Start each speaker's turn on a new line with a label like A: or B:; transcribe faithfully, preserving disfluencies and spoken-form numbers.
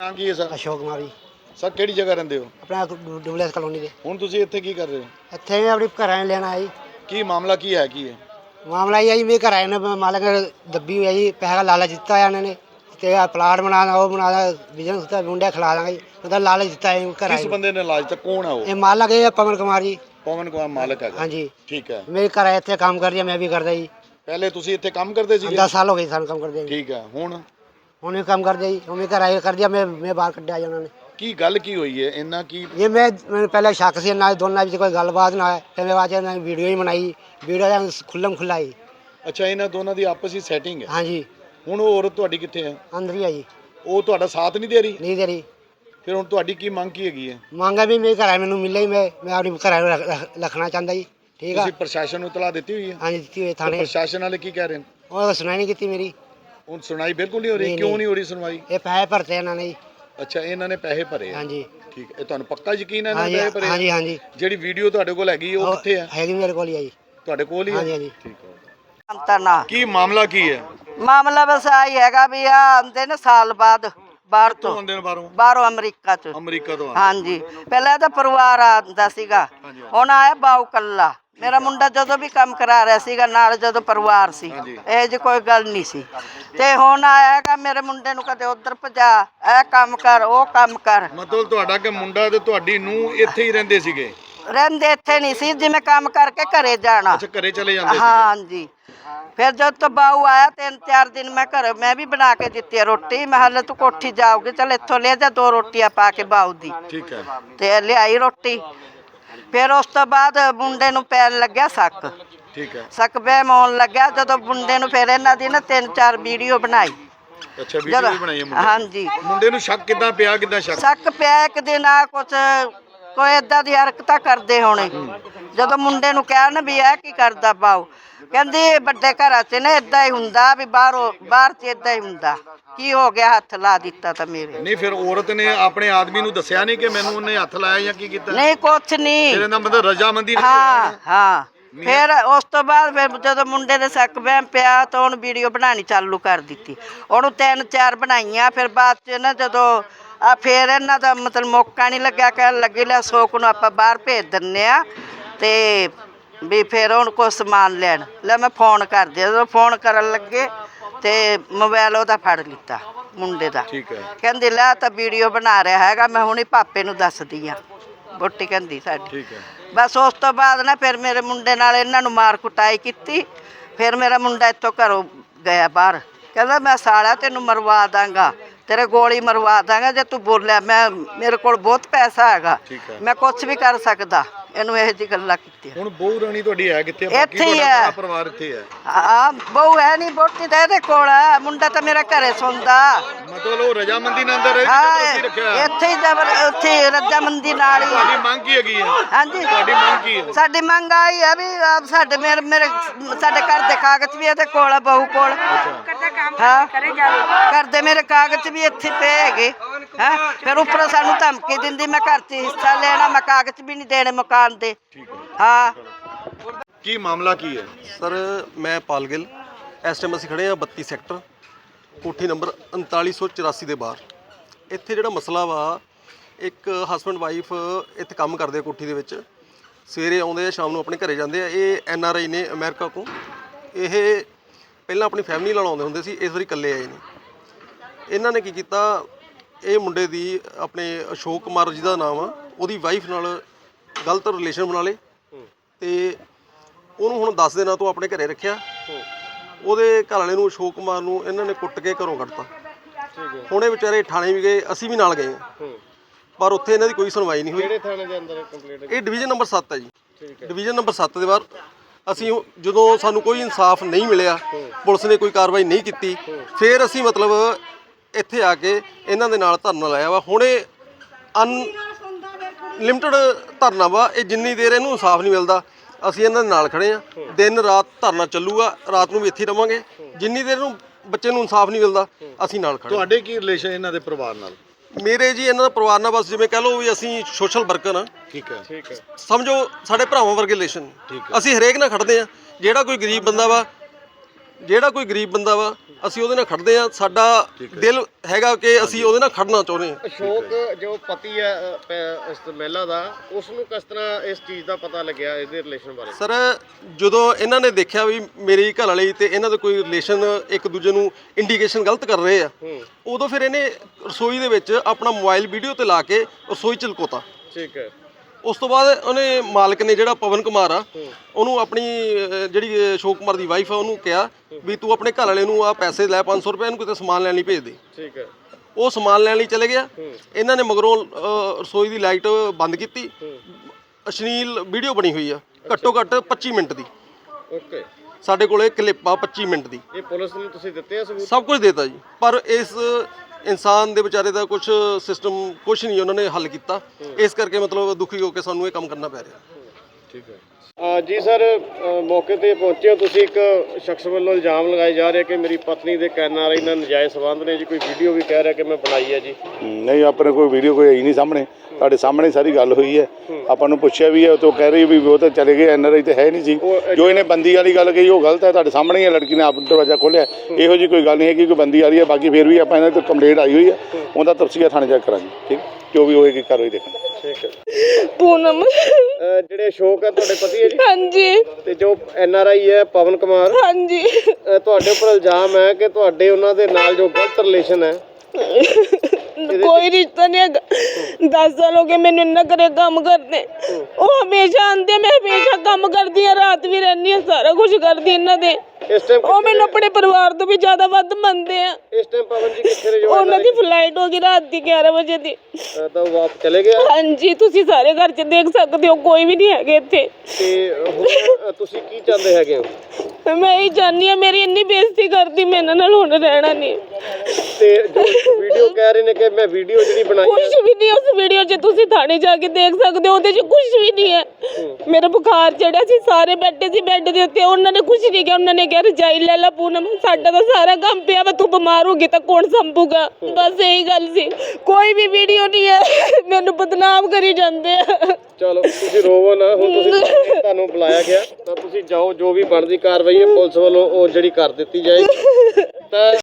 A: ਨਾਮ ਕੀ ਹੈ ਸਰ?
B: अशोक कुमार जी।
A: ਸਰ ਕਿਹੜੀ ਜਗ੍ਹਾ ਰਹਿੰਦੇ ਹੋ?
B: अपना डुबलेस कॉलोनी के
A: ਹੁਣ ਤੁਸੀਂ ਇੱਥੇ ਕੀ ਕਰ ਰਹੇ ਹੋ?
B: इतने में अपनी घर आए लेना आई
A: ਕੀ ਮਾਮਲਾ ਕੀ ਹੈ ਕੀ ਹੈ?
B: मामला ये है जी, मेरे घर आए ने मालक दब्बी हुई है जी, पैसे का लालच दिता है इन्होंने ते प्लाट बनाना वो बनाना बिजनेस उसका मुंडे खिला देंगे मतलब लालच दिता है घर
A: ਕਿਸ
B: आए।
A: ਬੰਦੇ ਨੇ ਲਾਜ ਤੱਕ ਕੌਣ ਹੈ ਉਹ?
B: ये मालक है पवन कुमार जी।
A: ਪਵਨ ਕੁਮਾਰ ਮਾਲਕ ਹੈਗਾ।
B: हाँ जी।
A: ਠੀਕ ਹੈ।
B: मेरे घर आए इतने काम कर दिया, मैं भी करता जी।
A: ਪਹਿਲੇ ਤੁਸੀਂ ਇੱਥੇ ਕੰਮ ਕਰਦੇ ਸੀਗੇ?
B: दस साल हो गए सानू काम कर दिया।
A: ਠੀਕ ਹੈ। ਹੁਣ
B: हूँ भी काम कर दिया जी, हूँ घर आए कर दिया, मैं मैं बाहर कटिया जी उन्होंने।
A: ਕੀ ਗੱਲ ਕੀ ਹੋਈ ਹੈ ਇੰਨਾ ਕੀ?
B: ये मैं मैंने पहले शक से ना दोनों बीच कोई गलबात ना है, फिर मैं बाद में वीडियो ही बनाई, वीडियो खुल्लम खुल्ला ही।
A: ਅੱਛਾ ਇਹਨਾਂ ਦੋਨਾਂ ਦੀ ਆਪਸ ਵਿੱਚ ਸੈਟਿੰਗ ਹੈ?
B: हाँ जी।
A: ਹੁਣ ਉਹ ਔਰਤ ਤੁਹਾਡੀ ਕਿੱਥੇ ਹੈ?
B: अंदर ही है जी।
A: ਉਹ ਤੁਹਾਡਾ ਸਾਥ ਨਹੀਂ ਦੇ ਰਹੀ?
B: नहीं दे रही।
A: ਫਿਰ ਹੁਣ ਤੁਹਾਡੀ ਕੀ ਮੰਗ ਕੀ ਹੈਗੀ ਹੈ?
B: मांगा भी मेरे घर आए मैंने मिले ही, मैं मैं अपनी घर आए रख- रख- रखना चाहता जी। ठीक है।
A: ਤੁਸੀਂ ਪ੍ਰਸ਼ਾਸਨ ਨੂੰ ਇਤਲਾਹ ਦਿੱਤੀ ਹੋਈ ਹੈ?
B: हाँ जी दी हुई
A: ਤਾਂ
B: थाने।
A: ਪ੍ਰਸ਼ਾਸਨ ਵਾਲੇ ਕੀ ਕਹਿ ਰਹੇ ਨੇ?
B: और सुनाई नहीं की मेरी।
A: ਹੁਣ ਸੁਣਾਈ ਬਿਲਕੁਲ ਨਹੀਂ ਹੋ ਰਹੀ?
B: ਨਹੀਂ,
A: ਕਿਉਂ
B: ਨਹੀਂ।
A: ਨਹੀਂ ਹੋ ਰਹੀ ਸੁਣਵਾਈ?
B: ये पैसे भरते हैं इन्होंने जी।
A: ਅੱਛਾ ਇਹਨਾਂ ਨੇ ਪੈਸੇ ਭਰੇ ਆ?
B: हाँ जी।
A: ਠੀਕ ਹੈ। ਇਹ ਤੁਹਾਨੂੰ ਪੱਕਾ ਯਕੀਨ ਹੈ
B: हाँ
A: ਇਹਨਾਂ
B: जी
A: ਨੇ ਪੈਸੇ ਭਰੇ
B: हाँ
A: ਆ?
B: जी हाँ जी।
A: ਜਿਹੜੀ ਵੀਡੀਓ ਤੁਹਾਡੇ ਕੋਲ ਹੈਗੀ ਉਹ ਕਿੱਥੇ ਹੈ?
B: हैगी मेरे को जी।
A: ਤੁਹਾਡੇ ਕੋਲ ਹੀ
B: हाँ जी
A: ਹੈ?
B: हाँ जी।
A: ਠੀਕ ਹੈ।
C: ਅੰਤਨਾ
A: ਕੀ ਮਾਮਲਾ ਕੀ ਹੈ?
C: ਮਾਮਲਾ ਬਸ ਆਹੀ ਹੈਗਾ ਵੀ ਆ ਆਉਂਦੇ ਨੇ ਸਾਲ ਬਾਅਦ ਬਾਹਰ
A: ਕਿੱਥੋਂ
C: ਤੋਂ
A: ਆਉਂਦੇ ਨੇ ਬਾਹਰੋਂ?
C: ਬਾਹਰੋਂ ਅਮਰੀਕਾ ਚ।
A: ਅਮਰੀਕਾ ਤੋਂ ਆਉਂਦੇ।
C: ਹਾਂਜੀ ਪਹਿਲਾਂ ਤਾਂ ਪਰਿਵਾਰ ਆਉਂਦਾ ਸੀਗਾ,
A: ਹਾਂਜੀ।
C: ਹੁਣ ਆਇਆ ਬਾਉ ਕੱਲਾ। ਮੇਰਾ ਮੁੰਡਾ ਜਦੋਂ ਵੀ ਕੰਮ ਕਰਾ ਰਿਹਾ ਸੀਗਾ ਨਾਲ, ਜਦੋਂ ਪਰਿਵਾਰ ਸੀ
A: ਹਾਂਜੀ।
C: ਇਹ ਜੀ ਕੋਈ ਗੱਲ ਨਹੀਂ ਸੀ। ਤੇ ਹੁਣ ਆਇਆਗਾ ਮੇਰੇ ਮੁੰਡੇ ਨੂੰ ਕਦੇ ਉਧਰ ਭਜਾ, ਇਹ ਕੰਮ ਕਰ ਉਹ ਕੰਮ ਕਰ।
A: ਮਤਲਬ ਤੁਹਾਡਾ ਕਿ ਮੁੰਡਾ ਤੇ ਤੁਹਾਡੀ ਨੂੰ ਇੱਥੇ ਹੀ ਰਹਿੰਦੇ ਸੀਗੇ?
C: ਰਹਿੰਦੇ ਇੱਥੇ ਨਹੀਂ ਸੀ, ਜਿਵੇਂ ਕੰਮ ਕਰਕੇ ਘਰੇ ਜਾਣਾ।
A: ਅੱਛਾ ਘਰੇ ਚਲੇ ਜਾਂਦੇ ਸੀ?
C: ਹਾਂਜੀ। ਫਿਰ ਜਦ ਤੋਂ ਬਾਊ ਆਇਆ ਤਿੰਨ ਚਾਰ ਦਿਨ ਮੈਂ ਘਰ ਮੈਂ ਵੀ ਬਣਾ ਕੇ ਦਿੱਤੀ ਆ ਰੋਟੀ। ਮੈਂ ਹਲੇ ਤੂੰ ਕੋਠੀ ਜਾਓਗੇ, ਚਲ ਇੱਥੋਂ ਲੈ ਜਾ ਦੋ ਰੋਟੀਆਂ ਪਾ ਕੇ ਬਾਊ ਦੀ।
A: ਠੀਕ ਹੈ।
C: ਤੇ ਲਿਆਈ ਰੋਟੀ। ਫਿਰ ਉਸ ਤੋਂ ਬਾਅਦ ਮੁੰਡੇ ਨੂੰ ਪੈਣ ਲੱਗਿਆ ਸ਼ੱਕ।
A: ਠੀਕ ਹੈ।
C: ਸ਼ੱਕ ਬਹਿਮ ਆਉਣ ਲੱਗਿਆ ਜਦੋਂ ਮੁੰਡੇ ਨੂੰ। ਫਿਰ ਇਹਨਾਂ ਦੀ ਨਾ ਤਿੰਨ ਚਾਰ ਵੀਡੀਓ ਬਣਾਈ।
A: ਅੱਛਾ ਵੀਡੀਓ ਵੀ ਬਣਾਈ ਹੈ ਮੁੰਡੇ?
C: ਹਾਂਜੀ।
A: ਮੁੰਡੇ ਨੂੰ ਸ਼ੱਕ ਕਿੱਦਾਂ ਪਿਆ? ਕਿੱਦਾਂ ਸ਼ੱਕ?
C: ਸ਼ੱਕ ਪਿਆ ਇੱਕ ਦਿਨ ਆ ਕੁਛ ਕੋਈ ਏਦਾਂ ਦੀ ਹਰਕਤਾਂ ਕਰਦੇ ਹੋਣੇ। ਜਦੋਂ ਮੁੰਡੇ ਨੂੰ ਕਿਹਾ ਨਾ ਵੀ ਇਹ ਕੀ ਕਰਦਾ ਬਾਊ, ਕਹਿੰਦੀ ਵੱਡੇ ਘਰਾਂ 'ਚ ਨਾ ਏਦਾਂ ਹੀ ਹੁੰਦਾ ਵੀ ਬਾਹਰੋਂ ਬਾਹਰ 'ਚ ਏਦਾਂ ਹੀ ਹੁੰਦਾ। ਕੀ ਹੋ ਗਿਆ? ਹੱਥ ਲਾ ਦਿੱਤਾ ਤਾਂ ਮੇਰੇ।
A: ਨਹੀਂ ਫਿਰ ਔਰਤ ਨੇ ਆਪਣੇ ਆਦਮੀ ਨੂੰ ਦੱਸਿਆ ਨਹੀਂ ਕਿ ਮੈਨੂੰ ਉਹਨੇ ਹੱਥ ਲਾਇਆ ਜਾਂ ਕੀ ਕੀਤਾ?
C: ਨਹੀਂ ਕੁਛ ਨਹੀਂ।
A: ਇਹਦਾ ਮਤਲਬ ਰਜ਼ਾਮੰਦੀ ਨਹੀਂ?
C: ਹਾਂ ਹਾਂ। ਫਿਰ ਉਸ ਤੋਂ ਬਾਅਦ ਫਿਰ ਜਦੋਂ ਮੁੰਡੇ ਦੇ ਸ਼ੱਕ ਵਹਿਮ ਪਿਆ ਤਾਂ ਉਹਨੂੰ ਵੀਡੀਓ ਬਣਾਉਣੀ ਚਾਲੂ ਕਰ ਦਿੱਤੀ। ਉਹਨੂੰ ਤਿੰਨ ਚਾਰ ਬਣਾਈਆਂ। ਫਿਰ ਬਾਅਦ 'ਚ ਨਾ ਜਦੋਂ ਆ ਫਿਰ ਇਹਨਾਂ ਦਾ ਮਤਲਬ ਮੌਕਾ ਨਹੀਂ ਲੱਗਿਆ, ਕਹਿਣ ਲੱਗੇ ਲੈ ਅਸ਼ੋਕ ਨੂੰ ਆਪਾਂ ਬਾਹਰ ਭੇਜ ਦਿੰਦੇ ਆ ਤੇ ਵੀ ਫਿਰ ਹੁਣ ਕੋਈ ਸਮਾਨ ਲੈਣ। ਲੈ ਮੈਂ ਫੋਨ ਕਰ ਦਿਆ। ਜਦੋਂ ਫੋਨ ਕਰਨ ਲੱਗੇ ਤੇ ਮੋਬਾਈਲ ਉਹਦਾ ਫੜ ਲਿੱਤਾ ਮੁੰਡੇ ਦਾ।
A: ਠੀਕ ਹੈ।
C: ਕਹਿੰਦੀ ਲੈ ਤਾਂ ਵੀਡੀਓ ਬਣਾ ਰਿਹਾ ਹੈਗਾ, ਮੈਂ ਹੁਣੇ ਪਾਪੇ ਨੂੰ ਦੱਸਦੀ ਆ। ਵੋਟੀ ਕਹਿੰਦੀ ਸਾਡੀ।
A: ਠੀਕ ਹੈ।
C: ਬਸ ਉਸ ਤੋਂ ਬਾਅਦ ਨਾ ਫਿਰ ਮੇਰੇ ਮੁੰਡੇ ਨਾਲ ਇਹਨਾਂ ਨੂੰ ਮਾਰ ਕੁਟਾਈ ਕੀਤੀ। ਫਿਰ ਮੇਰਾ ਮੁੰਡਾ ਇੱਥੋਂ ਘਰੋਂ ਗਿਆ ਬਾਹਰ, ਕਹਿੰਦਾ ਮੈਂ ਸਾਲਿਆ ਤੈਨੂੰ ਮਰਵਾ ਦਾਂਗਾ, ਤੇਰੇ ਗੋਲੀ ਮਰਵਾ ਦਾਂਗਾ ਜੇ ਤੂੰ ਬੋਲਿਆ। ਮੈਂ ਮੇਰੇ ਕੋਲ ਬਹੁਤ ਪੈਸਾ ਹੈਗਾ, ਮੈਂ ਕੁਛ ਵੀ ਕਰ ਸਕਦਾ। ਇਹਨੂੰ ਇਹੋ ਜਿਹੀ ਗੱਲਾਂ ਕੀਤੀਆਂ।
A: ਹੁਣ ਬਹੂ ਰਾਣੀ ਤੁਹਾਡੀ ਹੈ ਕਿੱਥੇ?
C: ਇੱਥੇ ਹੀ ਹੈ।
A: ਪਰਿਵਾਰ ਇੱਥੇ ਹੈ?
C: ਹਾਂ ਬਹੂ ਹੈ ਨਹੀਂ, ਵੋਟੀ ਤਾਂ ਇਹਦੇ ਕੋਲ ਹੈ। ਮੁੰਡਾ ਤਾਂ ਮੇਰਾ ਘਰੇ ਸੌਂਦਾ।
A: ਮਤਲਬ ਉਹ ਰਜ਼ਾਮੰਦੀ ਨਾਲ ਅੰਦਰ
C: ਹਾਂ
A: ਰੱਖਿਆ?
C: ਇੱਥੇ ਹੀ ਜਬਰ ਉੱਥੇ ਰਜਾਮੰਦੀ ਨਾਲ ਹੀ।
A: ਤੁਹਾਡੀ ਮੰਗ ਕੀ ਹੈਗੀ ਹੈ?
C: ਹਾਂਜੀ
A: ਤੁਹਾਡੀ ਮੰਗ ਕੀ ਹੈ?
C: ਸਾਡੀ ਮੰਗ ਆਈ ਹੈ ਵੀ ਆਪ ਸਾਡੇ ਮੇਰੇ ਮੇਰੇ ਸਾਡੇ ਘਰ ਦੇ ਕਾਗਜ਼ ਵੀ ਇਹਦੇ ਕੋਲ ਆ, ਬਹੂ ਕੋਲ। ਹਾਂ ਘਰ ਦੇ ਮੇਰੇ ਕਾਗਜ਼ ਵੀ ਇੱਥੇ ਪਏ ਹੈਗੇ। ਹਾਂ ਫਿਰ ਉੱਪਰੋਂ ਸਾਨੂੰ ਧਮਕੀ ਦਿੰਦੀ ਮੈਂ ਘਰ 'ਚ ਹਿੱਸਾ ਲੈਣਾ, ਮੈਂ ਕਾਗਜ਼ ਵੀ ਨਹੀਂ ਦੇਣੇ ਮਕਾਨ ਦੇ। ਹਾਂ
A: ਕੀ ਮਾਮਲਾ ਕੀ ਹੈ
D: ਸਰ? ਮੈਂ ਪਾਲ ਗਿੱਲ। ਇਸ ਟਾਈਮ ਅਸੀਂ ਖੜੇ ਹਾਂ ਬੱਤੀ ਸੈਕਟਰ ਕੋਠੀ ਨੰਬਰ ਉਨਤਾਲੀ ਸੌ ਚੁਰਾਸੀ ਦੇ ਬਾਹਰ। ਇੱਥੇ ਜਿਹੜਾ ਮਸਲਾ ਵਾ, ਇੱਕ ਹਸਬੈਂਡ ਵਾਈਫ ਇੱਥੇ ਕੰਮ ਕਰਦੇ ਆ ਕੋਠੀ ਦੇ ਵਿੱਚ। ਸਵੇਰੇ ਆਉਂਦੇ ਆ, ਸ਼ਾਮ ਨੂੰ ਆਪਣੇ ਘਰੇ ਜਾਂਦੇ ਆ। ਇਹ ਐਨ ਆਰ ਆਈ ਨੇ ਅਮਰੀਕਾ ਤੋਂ। ਇਹ ਪਹਿਲਾਂ ਆਪਣੀ ਫੈਮਿਲੀ ਨਾਲ ਆਉਂਦੇ ਹੁੰਦੇ ਸੀ, ਇਸ ਵਾਰੀ ਇਕੱਲੇ ਆਏ ਨੇ। ਇਹਨਾਂ ਨੇ ਕੀ ਕੀਤਾ, ਇਹ ਮੁੰਡੇ ਦੀ ਆਪਣੇ ਅਸ਼ੋਕ ਕੁਮਾਰ ਜਿਹਦਾ ਨਾਮ ਆ, ਉਹਦੀ ਵਾਈਫ ਨਾਲ ਗਲਤ ਰਿਲੇਸ਼ਨ ਬਣਾ ਲਏ ਤੇ ਉਹਨੂੰ ਹੁਣ ਦਸ ਦਿਨਾਂ ਤੋਂ ਆਪਣੇ ਘਰੇ ਰੱਖਿਆ। ਉਹਦੇ ਘਰ ਵਾਲੇ ਨੂੰ ਅਸ਼ੋਕ ਕੁਮਾਰ ਨੂੰ ਇਹਨਾਂ ਨੇ ਕੁੱਟ ਕੇ ਘਰੋਂ ਕੱਢਤਾ। ਹੁਣ ਇਹ ਵਿਚਾਰੇ ਥਾਣੇ ਵੀ ਗਏ, ਅਸੀਂ ਵੀ ਨਾਲ ਗਏ ਪਰ ਉੱਥੇ ਇਹਨਾਂ ਦੀ ਕੋਈ ਸੁਣਵਾਈ ਨਹੀਂ ਹੋਈ।
A: ਕਿਹੜੇ ਥਾਣੇ ਦੇ ਅੰਦਰ ਕੰਪਲੇਂਟ?
D: ਇਹ ਡਿਵੀਜ਼ਨ ਨੰਬਰ ਸੱਤ ਹੈ ਜੀ। ਡਿਵੀਜ਼ਨ ਨੰਬਰ ਸੱਤ ਦੇ ਬਾਹਰ ਅਸੀਂ ਜਦੋਂ ਸਾਨੂੰ ਕੋਈ ਇਨਸਾਫ ਨਹੀਂ ਮਿਲਿਆ, ਪੁਲਿਸ ਨੇ ਕੋਈ ਕਾਰਵਾਈ ਨਹੀਂ ਕੀਤੀ, ਫਿਰ ਅਸੀਂ ਮਤਲਬ ਇੱਥੇ ਆ ਕੇ ਇਹਨਾਂ ਦੇ ਨਾਲ ਧਰਨਾ ਲਾਇਆ ਵਾ। ਹੁਣ ਇਹ ਅਨ ਲਿਮਟਿਡ ਧਰਨਾ ਵਾ। ਇਹ ਜਿੰਨੀ ਦੇਰ ਇਹਨੂੰ ਇਨਸਾਫ ਨਹੀਂ ਮਿਲਦਾ ਅਸੀਂ ਇਹਨਾਂ ਦੇ ਨਾਲ ਖੜੇ ਆ। ਦਿਨ ਰਾਤ ਧਰਨਾ ਚੱਲੂਗਾ, ਰਾਤ ਨੂੰ ਵੀ ਇੱਥੇ ਰਵਾਂਗੇ ਜਿੰਨੀ ਦੇਰ ਨੂੰ ਬੱਚੇ ਨੂੰ ਇਨਸਾਫ ਨਹੀਂ ਮਿਲਦਾ। ਅਸੀਂ ਨਾਲ ਖੜੇ।
A: ਤੁਹਾਡੇ ਕੀ ਰਿਲੇਸ਼ਨ ਇਹਨਾਂ ਦੇ ਪਰਿਵਾਰ ਨਾਲ?
D: ਮੇਰੇ ਜੀ ਇਹਨਾਂ ਦਾ ਪਰਿਵਾਰ ਨਾਲ ਬਸ ਜਿਵੇਂ ਕਹਿ ਲਓ ਵੀ ਅਸੀਂ ਸੋਸ਼ਲ ਵਰਕਰ ਆ।
A: ਠੀਕ ਹੈ। ਠੀਕ ਹੈ।
D: ਸਮਝੋ ਸਾਡੇ ਭਰਾਵਾਂ ਵਰਗੇ ਰਿਲੇਸ਼ਨ। ਅਸੀਂ ਹਰੇਕ ਨਾਲ ਖੜਦੇ ਆ। ਜਿਹੜਾ ਕੋਈ ਗਰੀਬ ਬੰਦਾ ਵਾ ਜਿਹੜਾ ਕੋਈ ਗਰੀਬ ਬੰਦਾ ਵਾ ਅਸੀਂ ਉਹਦੇ ਨਾਲ ਖੜਦੇ ਆ। ਸਾਡਾ ਦਿਲ ਹੈਗਾ ਕਿ ਅਸੀਂ ਉਹਦੇ ਨਾਲ ਖੜਨਾ ਚਾਹੁੰਦੇ ਹਾਂ।
E: ਅਸ਼ੋਕ ਜੋ ਪਤੀ ਹੈ ਅ, ਪੈ- ਇਸ ਮਹਿਲਾ ਦਾ, ਉਸ ਨੂੰ ਕਿਸ ਤਰ੍ਹਾਂ ਇਸ ਚੀਜ਼ ਦਾ ਪਤਾ ਲੱਗਿਆ, ਇਹਦੇ ਰਿਲੇਸ਼ਨ ਬਾਰੇ?
D: ਸਰ ਜਦੋਂ ਇਹਨਾਂ ਨੇ ਦੇਖਿਆ ਵੀ ਮੇਰੀ ਘਰ ਵਾਲੀ ਤੇ ਇਹਨਾਂ ਦਾ ਕੋਈ ਰਿਲੇਸ਼ਨ ਇੱਕ ਦੂਜੇ ਨੂੰ ਇੰਡੀਕੇਸ਼ਨ ਗਲਤ ਕਰ ਰਹੇ ਆ, ਉਦੋਂ ਫਿਰ ਇਹਨੇ ਰਸੋਈ ਦੇ ਵਿੱਚ ਆਪਣਾ ਮੋਬਾਈਲ ਵੀਡੀਓ ਤੇ ਲਾ ਕੇ ਰਸੋਈ ਚ ਲੁਕੋਤਾ।
E: ਠੀਕ ਹੈ।
D: ਉਸ ਤੋਂ ਬਾਅਦ ਉਹਨੇ ਮਾਲਕ ਨੇ ਜਿਹੜਾ ਪਵਨ ਕੁਮਾਰ ਆ ਉਹਨੂੰ ਆਪਣੀ ਅਹ, ਜਿਹੜੀ ਅਸ਼ੋਕ ਕੁਮਾਰ ਦੀ ਵਾਈਫ ਆ ਉਹਨੂੰ ਕਿਹਾ ਵੀ ਤੂੰ ਆਪਣੇ ਘਰ ਵਾਲੇ ਨੂੰ ਆ ਪੈਸੇ ਲੈ ਪੰਜ ਸੌ ਰੁਪਏ, ਇਹਨੂੰ ਕਿਤੇ ਸਮਾਨ ਲੈਣ ਲਈ ਭੇਜ ਦੇ।
E: ਠੀਕ ਹੈ।
D: ਉਹ ਸਮਾਨ ਲੈਣ ਲਈ ਚਲੇ ਗਿਆ। ਇਹਨਾਂ ਨੇ ਮਗਰੋਂ ਅਹ, ਰਸੋਈ ਦੀ ਲਾਈਟ ਬੰਦ ਕੀਤੀ। ਅਸ਼ਲੀਲ ਵੀਡੀਓ ਬਣੀ ਹੋਈ ਆ ਘੱਟੋ ਘੱਟ ਪੱਚੀ ਮਿੰਟ ਦੀ।
E: ਓਕੇ।
D: ਸਾਡੇ ਕੋਲੇ ਕਲਿੱਪ ਆ ਪੱਚੀ ਮਿੰਟ ਦੀ।
E: ਇਹ ਪੁਲਿਸ ਨੂੰ ਤੁਸੀਂ ਦਿੱਤੇ ਆ ਸਬੂਤ?
D: ਸਭ ਕੁਝ ਦੇਤਾ ਜੀ, ਪਰ ਇਸ ਇਨਸਾਨ ਦੇ ਵਿਚਾਰੇ ਦਾ ਕੁਝ ਸਿਸਟਮ ਕੁਝ ਨਹੀਂ ਉਹਨਾਂ ਨੇ ਹੱਲ ਕੀਤਾ। ਇਸ ਕਰਕੇ ਮਤਲਬ ਦੁਖੀ ਹੋ ਕੇ ਸਾਨੂੰ ਇਹ ਕੰਮ ਕਰਨਾ ਪੈ ਰਿਹਾ।
E: ਠੀਕ ਹੈ। ਜੀ ਸਰ, ਅ, ਮੌਕੇ ਤੇ ਪਹੁੰਚੇ ਹੋ ਤੁਸੀਂ। ਇੱਕ ਸ਼ਖਸ ਵੱਲੋਂ ਇਲਜ਼ਾਮ ਲਗਾਏ ਜਾ ਰਹੇ ਕਿ ਮੇਰੀ ਪਤਨੀ ਦੇ ਕਹਿਣ ਨਾਲ ਇਹਨਾਂ ਨਜਾਇਜ਼ ਸਬੰਧ ਨੇ ਜੀ। ਕੋਈ ਵੀਡੀਓ ਵੀ ਕਹਿ ਰਿਹਾ ਕਿ ਮੈਂ ਬਣਾਈ ਹੈ ਜੀ।
F: ਨਹੀਂ, ਆਪਣੇ ਕੋਈ ਵੀਡੀਓ ਕੋਈ ਆਈ ਨਹੀਂ ਸਾਹਮਣੇ। ਤੁਹਾਡੇ ਸਾਹਮਣੇ ਸਾਰੀ ਗੱਲ ਹੋਈ ਹੈ। ਆਪਾਂ ਨੂੰ ਪੁੱਛਿਆ ਵੀ ਹੈ, ਤਾਂ ਕਹਿ ਰਹੀ ਵੀ ਉਹ ਤਾਂ ਚਲੇ ਗਏ, ਐਨ ਆਰ ਆਈ ਤੇ ਹੈ ਨਹੀਂ ਸੀ। ਜੋ ਇਹਨੇ ਬੰਦੀ ਵਾਲੀ ਗੱਲ ਕਹੀ ਉਹ ਗਲਤ ਹੈ। ਤੁਹਾਡੇ ਸਾਹਮਣੇ ਹੀ ਹੈ, ਲੜਕੀ ਨੇ ਆਪ ਦਰਵਾਜ਼ਾ ਖੋਲ੍ਹਿਆ। ਇਹੋ ਜਿਹੀ ਕੋਈ ਗੱਲ ਨਹੀਂ ਹੈਗੀ ਕਿ ਬੰਦੀ ਵਾਲੀ ਹੈ। ਬਾਕੀ ਫਿਰ ਵੀ ਆਪਾਂ ਇਹਨਾਂ ਤੇ ਕੰਪਲੇਂਟ ਆਈ ਹੋਈ ਹੈ, ਉਹਦਾ ਤਫਸੀਰ ਥਾਣੇ ਜਾ ਕੇ ਕਰਾਂਗੇ। ਠੀਕ, ਜੋ ਵੀ ਹੋਏਗੀ ਕਾਰਵਾਈ ਦੇਖਾਂਗੇ।
E: ਠੀਕ ਹੈ।
G: ਪੂਨਮ।
E: ਅ, ਜਿਹੜੇ ਅਸ਼ੋਕ ਹੈ ਤੁਹਾਡੇ ਪਤੀ ਹੈ ਜੀ?
G: ਹਾਂਜੀ।
E: ਤੇ ਜੋ ਐਨ ਆਰ ਆਈ ਹੈ ਪਵਨ ਕੁਮਾਰ,
G: ਹਾਂਜੀ।
E: ਅ, ਤੁਹਾਡੇ ਉੱਪਰ ਇਲਜ਼ਾਮ ਹੈ ਕਿ ਤੁਹਾਡੇ ਉਹਨਾਂ ਦੇ ਨਾਲ ਜੋ ਗਲਤ ਰਿਲੇਸ਼ਨ ਹੈ।
G: ਕੋਈ ਰਿਸ਼ਤਾ ਨਹੀਂ ਹੈਗਾ। ਦਸ ਸਾਲ ਹੋ ਗਏ ਮੈਨੂੰ ਇੰਨਾ ਘਰੇ ਕੰਮ ਕਰਦੇ। ਉਹ ਹਮੇਸ਼ਾ ਆਉਂਦੇ, ਮੈਂ ਹਮੇਸ਼ਾ ਕੰਮ ਕਰਦੀ ਆ, ਰਾਤ ਵੀ ਰਹਿੰਦੀ ਆ, ਸਾਰਾ ਕੁਝ ਕਰਦੀ ਇਹਨਾਂ ਦੇ।
E: ਇਸ ਟਾਈਮ
G: ਉਹ ਮੈਨੂੰ ਆਪਣੇ ਪਰਿਵਾਰ ਤੋਂ ਵੀ ਜ਼ਿਆਦਾ ਵੱਧ ਮੰਨਦੇ ਆ।
E: ਇਸ ਟਾਈਮ ਪਵਨ ਜੀ ਕਿੱਥੇ ਨੇ? ਜੋ
G: ਉਹਨਾਂ ਦੀ ਫਲਾਈਟ ਹੋ ਗਈ ਰਾਤ ਦੀ ਗਿਆਰਾਂ ਵਜੇ ਦੀ।
E: ਅ, ਤਾਂ ਉਹ ਆਪ ਚਲੇ ਗਿਆ।
G: ਹਾਂਜੀ, ਤੁਸੀਂ ਸਾਰੇ ਘਰ 'ਚ ਦੇਖ ਸਕਦੇ ਹੋ, ਕੋਈ ਵੀ ਨਹੀਂ ਹੈਗੇ ਇੱਥੇ।
E: ਤੇ ਹੁਣ ਅ, ਤੁਸੀਂ ਕੀ ਚਾਹੁੰਦੇ ਹੈਗੇ ਹੋ?
G: ਮੈਂ ਇਹ ਚਾਹੁੰਦੀ ਹਾਂ, ਮੇਰੀ ਇੰਨੀ ਬੇਇੱਜ਼ਤੀ ਕਰਦੀ, ਮੈਂ ਇਹਨਾਂ ਨਾਲ ਹੁਣ ਰਹਿਣਾ ਨਹੀਂ।
E: ਤੇ ਜੋ ਵੀਡੀਓ ਕਹਿ ਰਹੇ ਨੇ ਕਿ ਮੈਂ ਵੀਡੀਓ ਜਿਹੜੀ ਬਣਾਈ ਹੈ,
G: ਕੁਝ ਵੀ ਨਹੀਂ ਉਸ ਵੀਡੀਓ 'ਚ, ਤੁਸੀਂ ਥਾਣੇ ਜਾ ਕੇ ਦੇਖ ਸਕਦੇ ਹੋ। ਉਹਦੇ 'ਚ ਕੁਝ ਵੀ ਨਹੀਂ ਹੈ। ਮੇਰਾ ਬੁਖਾਰ ਚੜਿਆ ਸੀ, ਸਾਰੇ ਬੈਠੇ ਸੀ ਬੈੱਡ ਦੇ ਉੱਤੇ, ਉਹਨਾਂ ਨੇ ਕੁਝ ਨਹੀਂ ਕਿਹਾ। ਉਹਨਾਂ ਨੇ ਕਿਹਾ ਰਜਾਈ ਲੈ ਲਾ ਪੂਨਮ, ਸਾਡਾ ਤਾਂ ਸਾਰਾ ਕੰਮ ਪਿਆ ਵਾ, ਤੂੰ ਬਿਮਾਰ ਹੋ ਗਈ ਤਾਂ ਕੌਣ ਸੰਭੂਗਾ। ਬਸ ਇਹੀ ਗੱਲ ਸੀ, ਕੋਈ ਵੀ ਵੀਡੀਓ ਨਹੀਂ ਹੈ। ਮੈਨੂੰ ਬਦਨਾਮ ਕਰੀ ਜਾਂਦੇ ਆ।
E: ਚਲੋ ਤੁਸੀਂ ਰੋਵੋ ਨਾ। ਹੁਣ ਤੁਸੀਂ ਤੁਹਾਨੂੰ ਬੁਲਾਇਆ ਗਿਆ ਤਾਂ ਤੁਸੀਂ ਜਾਓ, ਜੋ ਵੀ ਬਣਦੀ ਕਾਰਵਾਈ ਹੈ ਪੁਲਿਸ ਵੱਲੋਂ ਉਹ ਜਿਹੜੀ ਕਰ ਦਿੱਤੀ ਜਾਏਗੀ। ਤਾਂ